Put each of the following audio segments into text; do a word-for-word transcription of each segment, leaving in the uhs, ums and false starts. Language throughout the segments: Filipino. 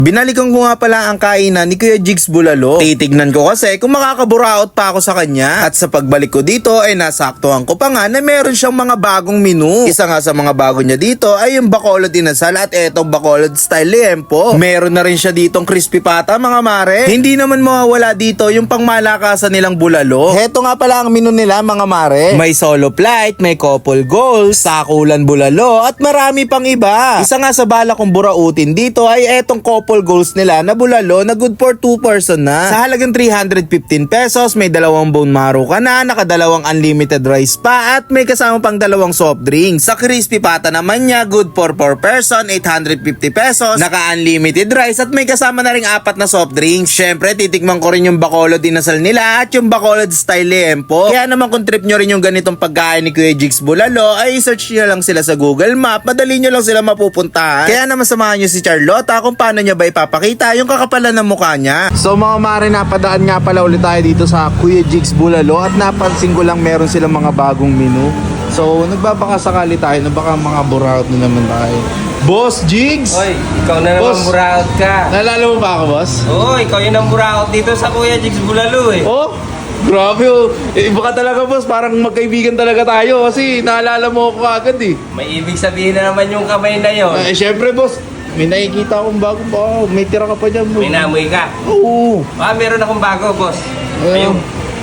Binalikan ko nga pala ang kainan ni Kuya Jigs Bulalo. Titignan ko kasi kung makakaburaot pa ako sa kanya. At sa pagbalik ko dito ay nasaktuhan ko pa nga na meron siyang mga bagong menu. Isa nga sa mga bago niya dito ay yung Bacolod Inasal at etong Bacolod Style Liempo. Meron na rin siya ditong crispy pata mga mare. Hindi naman mawawala dito yung pangmalakasan nilang bulalo. Heto nga pala ang menu nila mga mare. May solo flight, may couple goals, sakulan bulalo at marami pang iba. Isa nga sa bala kong burautin dito ay etong couple goals nila na bulalo na good for two person na. Sa halagang three hundred fifteen pesos, may dalawang bone marrow ka na, nakadalawang unlimited rice pa at may kasama pang dalawang soft drinks. Sa crispy pata naman niya, good for four person, eight hundred fifty pesos, naka-unlimited rice at may kasama na ring apat na soft drinks. Syempre, titikman ko rin yung Bacolod Inasal nila at yung Bacolod Style Liempo. Kaya naman kung trip nyo rin yung ganitong pagkain ni Kuya Jigs Bulalo, ay search nyo lang sila sa Google Map, madali nyo lang sila mapupuntahan. Kaya naman samahan nyo si Charlotta kung paano niya ba ipapakita yung kakapalan ng mukha niya. So mga mare, napadaan nga pala ulit tayo dito sa Kuya Jigs Bulalo at napansin ko lang meron silang mga bagong menu. So nagbabakasakali tayo na baka mga buraot na naman tayo. Boss Jigs! Oy, ikaw na naman Boss, buraot ka. naalala mo ba ako, boss? Oo, ikaw yun ang buraot dito sa Kuya Jigs Bulalo eh. Oh, grabe oh. Eh, iba ka talaga, boss. Parang magkaibigan talaga tayo kasi naalala mo ako agad eh. May ibig sabihin na naman yung kamay na yon. Eh, syempre, boss. May nakikita akong bago pa. May tira ka pa dyan, boss. May namoy ka. Oo. Ah, meron akong bago, boss. Ayun. Ayun.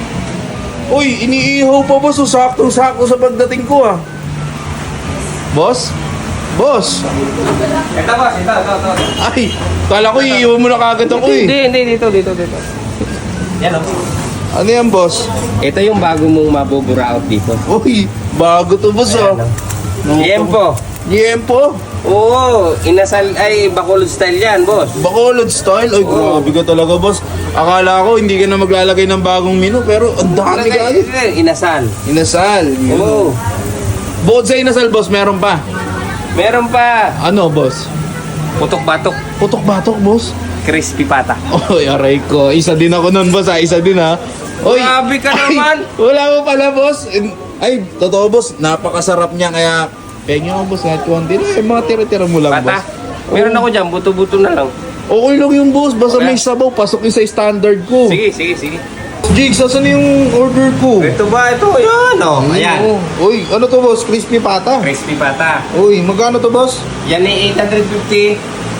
Uy, iniihaw pa, boss. So, sakto-sakto sa pagdating ko, ah. Boss? Boss? Ito, boss. Ito, ito, ito. Ay, kala ko iihaw mo na kagad ako eh. Hindi, hindi. Dito, dito, dito. Yan o. Ano yan, boss? Ito yung bago mong mabuburaot dito. Uy, bago to, boss, ah. Liempo. Liempo? Oo, inasal ay Bacolod style yan, boss. Bacolod style? Ay, Oo. grabe ka talaga, boss. Akala ko hindi ka na maglalagay ng bagong menu, pero ang dami ka agad. Inasal. Inasal. yun. Oo. Bukod sa inasal, boss, meron pa. Meron pa. Ano, boss? Putok-batok. Putok-batok, boss. Crispy pata. Oy, aray ko. Isa din ako nun, boss, ha? Isa din, ha? Oy. Grabe ka Ay, naman. wala mo pala, boss. Ay, totoo, boss. Napakasarap niya, kaya pengen ako, boss. Kahit konti na, eh, mga tira-tira mo lang, Pata. boss. Meron ako dyan, buto-buto na lang. Okay lang yung boss. Basta Okay. may sabaw, pasok yung sa standard ko. Sige, sige, sige. Jigs, asan yung order ko? Ito ba? Ito, yan o. Ayan. Oo. Uy, ano to, boss? Crispy pata. Crispy pata. Uy, magkano to, boss? Yan ay eight hundred fifty.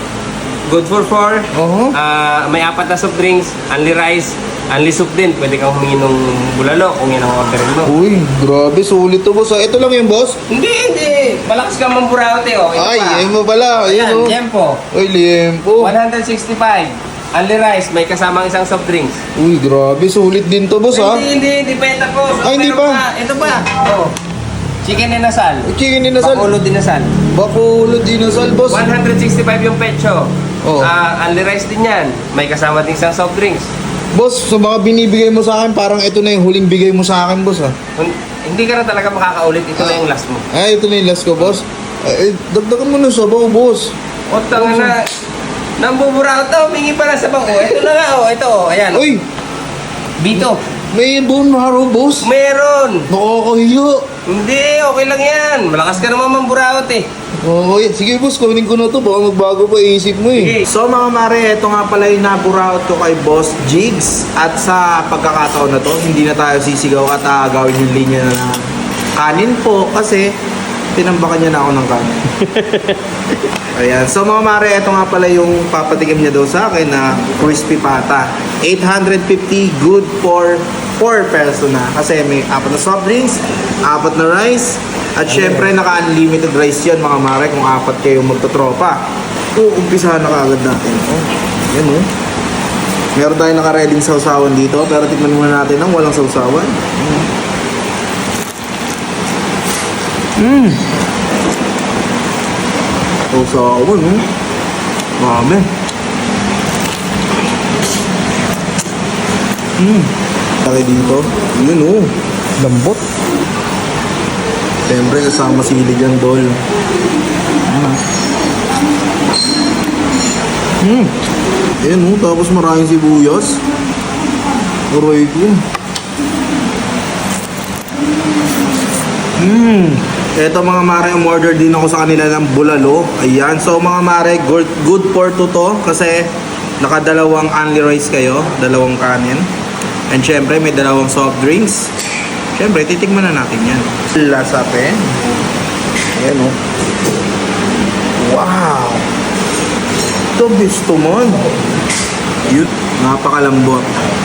Good for four. Oo. Ah, may apat na soft drinks, only rice, only soup din. Pwede kang humingi ng bulalo kung yan ang orderin mo. Uy, grabe, sulit to, boss. Ah, ito lang yung boss? Hindi, hindi. Malakas ka mamburaot eh. Oh. Ito Ay, pa. ayun mo pala. Ayun, Ayan, oh. Liempo. Uy, liempo. one hundred sixty-five. Only rice, may kasamang isang soft drinks. Uy, grabe, sulit din to, boss, ha? Hindi, hindi, hindi pa ito po. Ay, hindi Meron pa. Ito pa. Oh. Chicken inasal. Chicken inasal. Bacolod inasal. Bacolod inasal, boss. one hundred sixty-five yung pecho. Oh. Ah, only rice din yan. May kasama din isang soft drinks. Boss, sa mga binibigay mo sa akin, parang ito na yung huling bigay mo sa akin, boss, ha? Hun- Hindi ka na talaga makakaulit. Ito na yung last mo. Ay, ito na yung last ko, boss. Ay, dagdagan mo ng sabaw, boss. O, tanga na. Nambubura ito. Humingi pa na sa bang. Oh, ito na nga. Oh, ito. Oh, ayan. Uy, Bito. may bone marrow, boss. Meron. Nakakahiyo. Hindi. Okay lang yan. Malakas ka naman mamburaot eh. Oo, oh, sige boss, kunin ko na to. Baka magbago pa isip mo eh. Sige. So mga mare, ito nga pala yung naburaot ko kay Boss Jigs. At sa pagkakataon na to, hindi na tayo sisigaw at aagawin yung linya na kanin po. Kasi tinambakan niya na ako ng kanin. Ayan. So mga mare, ito nga pala yung papatikim niya daw sa akin na crispy pata. eight hundred fifty, good for four person na. Kasi may apat na soft drinks, apat na rice, at syempre naka-unlimited rice yun mga mare kung apat kayo magtotropa. So, umpisahan na kagad natin. Oh, yan oh. Meron tayong naka-reading sausawan dito, pero tikman muna natin ng walang sausawan. Mmm. Sausawan, oh. Marami. Mmm. Laki dito. Yun, oh. Lambot. Siyempre, kasama silig yan, dol. Hmm. Ayan, oh. Tapos maraming sibuyas. Aray ko. Hmm. Ito mga mare, umorder din ako sa kanila ng bulalo. Ayan. So mga mare, good, good for two to kasi nakadalawang only rice kayo, dalawang kanin. And syempre may dalawang soft drinks. Syempre, titikman na natin yan. Lasape. Ayan o. Wow! Ito gusto mo. Yun, napakalambot.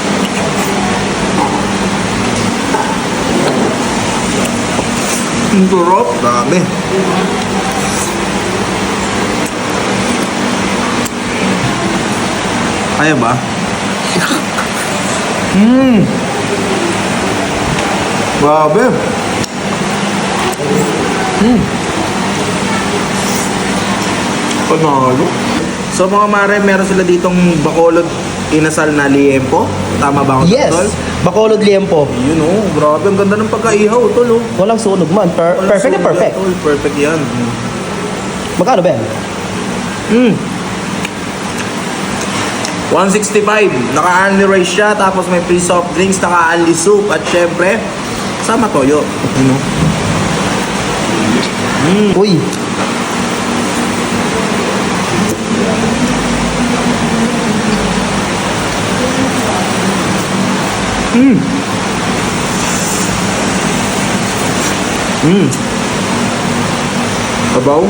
Ang sarap. Dami. Kaya ba? Mmm! Grabe! Mmm! Panalo. So mga mare, meron sila ditong bakolod inasal na liempo. Tama ba ako? Yes. Tol? Bacolod liempo. Yun oh, grabe. Ang ganda ng pagkaihaw, tol oh. Walang sunog man. Per- Walang perfect na sunog perfect. yan, tol. Perfect yan. Magkano ba yan? Mm. one sixty-five. Naka-only rice siya, tapos may free soft drinks, naka-only soup, at syempre, sama toyo. Ano? Uy. Mm. Mm. Sabaw.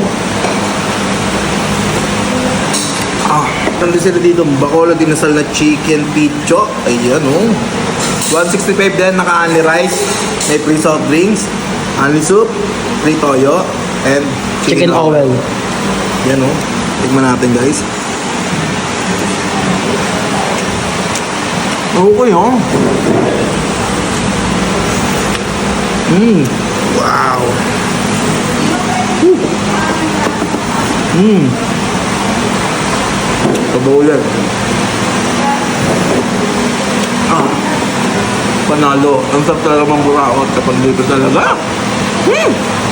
Ah, nandun sila dito. Bacolod dinasal na chicken picho. Ayan oh. one sixty-five din, naka-only rice. May free soft drinks, only soup, free toyo, and Chicken oil. Yan oh. Tignan natin guys. Okay oh. Mmm. Wow. Mmm. Sabaw yan. Ah. Panalo. Ang sarap talaga mang buraot kapag dito talaga. Hmm.